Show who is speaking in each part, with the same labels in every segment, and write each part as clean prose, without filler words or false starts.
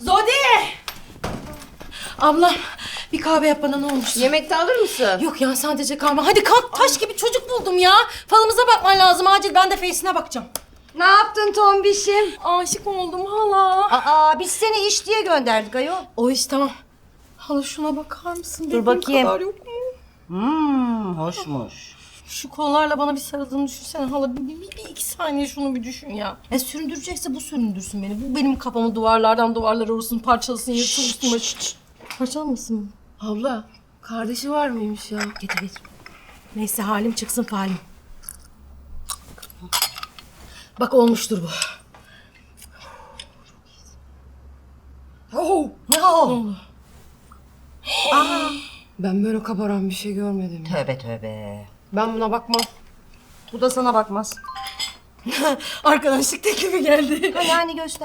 Speaker 1: Zodi! Ablam bir kahve yap bana, ne olmuş?
Speaker 2: Yemekte alır mısın?
Speaker 1: Yok ya, sadece kahve. Hadi kalk, taş gibi çocuk buldum ya. Falımıza bakman lazım acil, ben de Face'ine bakacağım.
Speaker 3: Ne yaptın tombişim?
Speaker 1: Aşık oldum hala.
Speaker 3: Aa, biz seni iş diye gönderdik ayol.
Speaker 1: O iş tamam. Hala şuna bakar mısın?
Speaker 3: Dur
Speaker 1: Dediğim
Speaker 3: bakayım.
Speaker 1: kadar yok mu?
Speaker 3: Hoşmuş.
Speaker 1: Şu kollarla bana bir sarıldığını düşünsene hala. Bir iki saniye şunu bir düşün ya. Süründürecekse bu süründürsün beni. Bu benim kafamı duvarlardan duvarlara vursun, parçalasın, yırtılsın. Parçalamasın mı?
Speaker 2: Abla, kardeşi var mıymış ya?
Speaker 1: Getir. Neyse, halim çıksın falim. Bak olmuştur bu. Ne oldu?
Speaker 2: Ben böyle kabaran bir şey görmedim.
Speaker 3: Tövbe tövbe.
Speaker 2: Ben buna bakmam.
Speaker 3: Bu da sana bakmaz.
Speaker 1: Arkadaşlık teklifi geldi.
Speaker 3: Hani göster.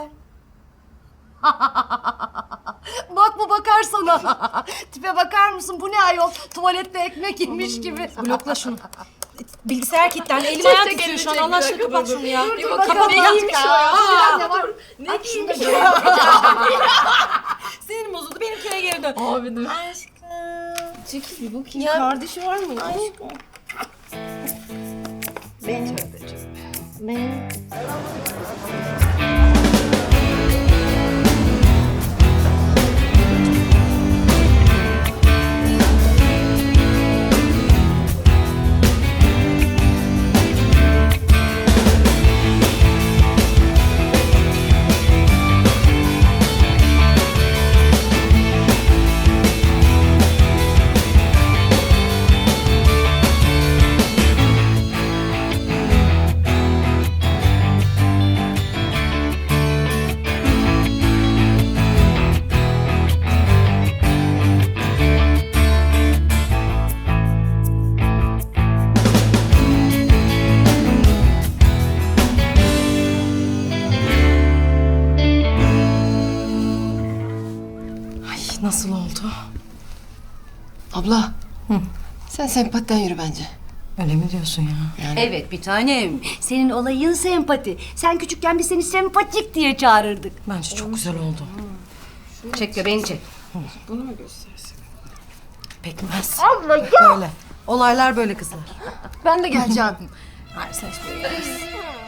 Speaker 3: Bak bu bakar sana. Tipe bakar mısın? Bu ne ayol? Tuvalette ekmek yemiş gibi.
Speaker 1: Blokla şunu. Bilgisayar kilitlendi. Elim ayağım
Speaker 2: Çek
Speaker 1: titriyor şu
Speaker 2: elini,
Speaker 1: an.
Speaker 2: çek,
Speaker 1: Allah aşkına
Speaker 2: bir
Speaker 1: kapat
Speaker 2: dakika,
Speaker 1: şunu ya.
Speaker 2: dur,
Speaker 1: Kapat
Speaker 2: bakalım
Speaker 1: ya.
Speaker 2: neymiş o ya?
Speaker 3: Ne giymiş?
Speaker 1: Sinirim bozuldu. Benimkine geri dön.
Speaker 2: Abi dur.
Speaker 1: Aşkım.
Speaker 2: Çekil bir bakayım.
Speaker 1: Ya.
Speaker 2: Kardeşi var mı?
Speaker 1: Aşkım. Ay, nasıl oldu?
Speaker 2: Abla. Sen sempatiden yürü bence.
Speaker 1: Öyle mi diyorsun ya?
Speaker 3: Evet bir tanem. Senin olayın sempati. Sen küçükken biz seni sempatik diye çağırırdık.
Speaker 1: Bence çok güzel oldu.
Speaker 3: Çek göbeğini çek.
Speaker 2: Bunu mu göstersin?
Speaker 1: Pekmez.
Speaker 3: Allah ya.
Speaker 1: Böyle. Olaylar böyle kızlar.
Speaker 2: Ben de geleceğim.
Speaker 1: Hayır, sen hiçbir yere gelmezsin.